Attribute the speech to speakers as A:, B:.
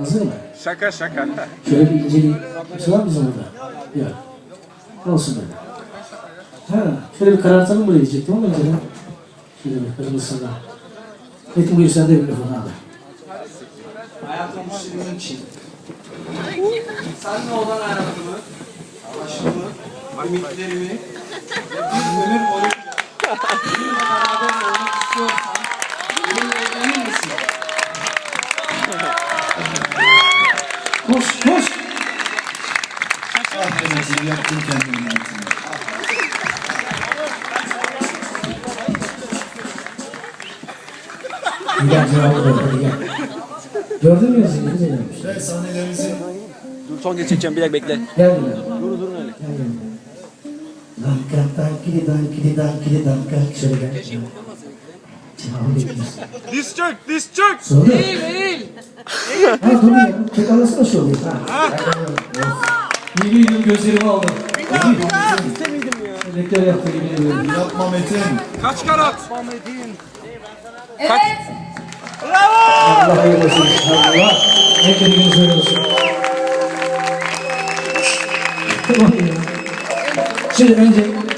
A: Hazır mı?
B: Şaka şaka.
A: Şöyle bir inceleyeyim. Kimse var mı bizim orada? Yok. Olsun böyle. Ha, şöyle bir karartalım mı diyecektim ama önceden. Şöyle bir kırmızısına. Metin buyur sen de bir mikrofonu al.
C: Hayatım senin için. Seninle olan hayatımı, aşkımı, ümitlerimi ve bir ömür boyunca benimle beraber olmak istiyorsan benimle evlenir misin?
A: Koş, koş!
D: Aferin, yaptın kendini yaptın.
A: Gel cevabı ver, hadi gel. Gördün mü yazıyı? Güzel yapmış.
D: Ve sahnelerimizi
B: Dur son geçeceğim bir dakika bekle.
A: Gel buraya.
B: Durun öyle.
A: Gel gel. Danka, dankili, dankili, dankili, danka. Şöyle gel. Cevabı bekliyorsun.
B: Diz çök, diz çök.
A: Soru. Değil. Ha dur ya. Tek anlasana şu oluyor. Ha. Yemin ediyorum gözlerimi aldım. Rektör yaptı yemin ediyorum.
D: yapma Metin.
B: Kaç karat?
E: Evet.
A: Allah hayırlı olsun. Allah. Hep dediğiniz öyle olsun. Tamam ya. Şimdi önce